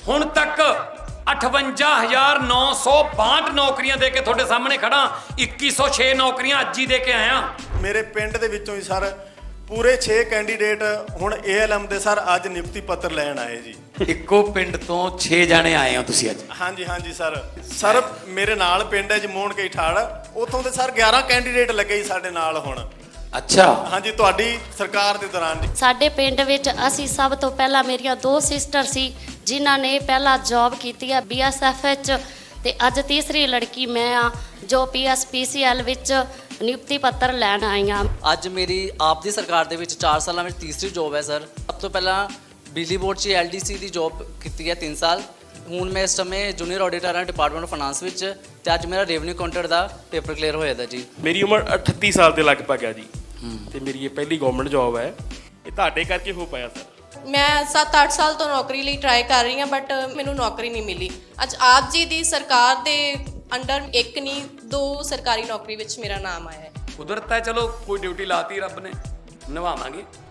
ਹੁਣ ਤੱਕ 58,962 ਨੌਕਰੀਆਂ ਦੇ ਕੇ ਤੁਹਾਡੇ ਸਾਹਮਣੇ ਖੜਾ। 2106 ਨੌਕਰੀਆਂ ਅੱਜ ਹੀ ਦੇ ਕੇ ਆਇਆ। ਮੇਰੇ ਪਿੰਡ ਦੇ ਵਿੱਚੋਂ ਹੀ ਸਰ ਪੂਰੇ 6 ਕੈਂਡੀਡੇਟ ਹੁਣ ਏਐਲਐਮ ਦੇ ਸਰ ਅੱਜ ਨਿਯੁਕਤੀ ਪੱਤਰ ਲੈਣ ਆਏ ਜੀ। ਇੱਕੋ ਪਿੰਡ ਤੋਂ 6 ਜਾਣੇ ਆਏ ਹੋ ਤੁਸੀਂ ਅੱਜ? ਹਾਂਜੀ ਹਾਂਜੀ ਸਰ ਮੇਰੇ ਨਾਲ ਪਿੰਡ ਹੈ ਜਮੋਣ ਕੇ ਠਾੜ, ਉੱਥੋਂ ਦੇ ਸਰ 11 ਕੈਂਡੀਡੇਟ ਲੱਗੇ ਜੀ ਸਾਡੇ ਨਾਲ ਹੁਣ। ਅੱਛਾ। ਹਾਂਜੀ, ਤੁਹਾਡੀ ਸਰਕਾਰ ਦੇ ਦੌਰਾਨ ਜੀ। ਸਾਡੇ ਪਿੰਡ ਵਿੱਚ ਅਸੀਂ ਸਭ ਤੋਂ ਪਹਿਲਾਂ ਮੇਰੀਆਂ 2 ਸਿਸਟਰ ਸੀ ਜਿਨ੍ਹਾਂ ਨੇ ਪਹਿਲਾਂ ਜੌਬ ਕੀਤੀ ਹੈ BSF ਵਿੱਚ, ਤੇ ਅੱਜ ਤੀਸਰੀ ਲੜਕੀ ਮੈਂ ਆ ਜੋ PSPCL ਵਿੱਚ ਨਿਯੁਕਤੀ ਪੱਤਰ ਲੈਣ ਆਈ ਹਾਂ। ਅੱਜ ਮੇਰੀ ਆਪ ਦੀ ਸਰਕਾਰ ਦੇ ਵਿੱਚ 4 ਸਾਲਾਂ ਵਿੱਚ ਤੀਸਰੀ ਜੌਬ ਹੈ ਸਰ। ਸਭ ਤੋਂ ਪਹਿਲਾਂ ਬਿਜਲੀ ਬੋਰਡ 'ਚ LDC ਦੀ ਜੌਬ ਕੀਤੀ ਹੈ 3 ਸਾਲ। ਹੁਣ ਮੈਂ ਇਸ ਸਮੇਂ ਜੂਨੀਅਰ ਆਡੀਟਰ ਹਾਂ ਡਿਪਾਰਟਮੈਂਟ ਆਫ ਫਾਈਨਾਂਸ ਵਿੱਚ, ਤੇ ਅੱਜ ਮੇਰਾ ਰੈਵਨਿਊ ਕਾਊਂਟਰ ਦਾ ਪੇਪਰ ਕਲੀਅਰ ਹੋਇਆ ਦਾ ਜੀ। ਮੇਰੀ ਉਮਰ 38 ਸਾਲ ਦੇ ਲਗਭਗ ਹੈ ਜੀ, ਤੇ ਮੇਰੀ ਇਹ ਪਹਿਲੀ ਗਵਰਨਮੈਂਟ ਜੌਬ ਹੈ। ਇਹ ਤੁਹਾਡੇ ਕਰਕੇ ਹੋ ਪਾਇਆ ਸਰ। ਮੈਂ 7-8 ਸਾਲ ਤੋਂ ਨੌਕਰੀ ਲਈ ਟਰਾਈ ਕਰ ਰਹੀ ਹਾਂ, ਬਟ ਮੈਨੂੰ ਨੌਕਰੀ ਨਹੀਂ ਮਿਲੀ। ਅੱਜ ਆਪ ਜੀ ਦੀ ਸਰਕਾਰ ਦੇ ਅੰਡਰ 1 ਨਹੀਂ 2 ਸਰਕਾਰੀ ਨੌਕਰੀ ਵਿੱਚ ਮੇਰਾ ਨਾਮ ਆਇਆ ਹੈ। ਕੁਦਰਤ ਹੈ, ਚਲੋ ਕੋਈ ਡਿਊਟੀ ਲਾਤੀ ਰੱਬ ਨੇ, ਨਿਭਾਵਾਂਗੇ।